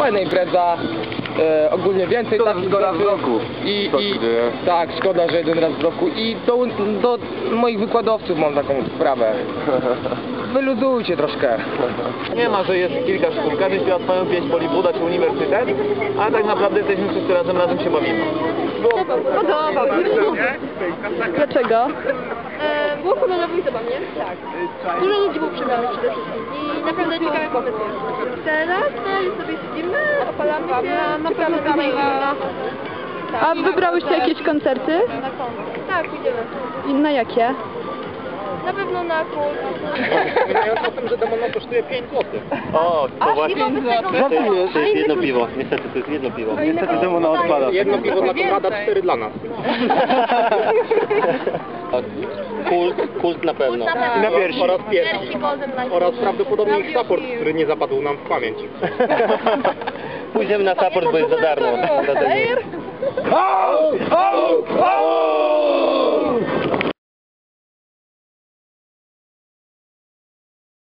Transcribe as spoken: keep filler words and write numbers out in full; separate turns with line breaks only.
fajna impreza. E, ogólnie więcej
Szkoda,
takich
że tylko raz w
rzeczy.
roku.
I,
To
i,
się dzieje.
tak, szkoda, że jeden raz w roku. I do, do moich wykładowców mam taką sprawę. Wyluzujcie troszkę.
Nie ma, że jest kilka szkół, każdy śpiewa swoją pieśń, Polibuda czy uniwersytet, a tak naprawdę jesteśmy wszyscy razem, razem się bawimy.
Podobał mi się.
Dlaczego?
E, było kolorowo i zabawnie. Tak. Dużo ludzi było przebranych przede wszystkim. I naprawdę ciekawe pomysły. Teraz no, sobie siedzimy, opalamy się, na pewno dalej na...
A wybrałyście jakieś koncerty?
Na koncert. Tak, idziemy.
I na jakie?
Na pewno na kult.
Wspominając o tym, że demono kosztuje pięć złotych. O, to właśnie.
Żartujesz?
To jest jedno piwo, niestety to jest jedno piwo.
Niestety demona odpada.
Jedno piwo dla Konrada, cztery dla nas. Kult, kult na pewno.
Kult na pewno.
I na piersi. Oraz piersi.
Piersi golden light.
Oraz prawdopodobnie ich support, który nie zapadł nam w pamięć. Pójdziemy na support, bo jest za darmo. Dlatego.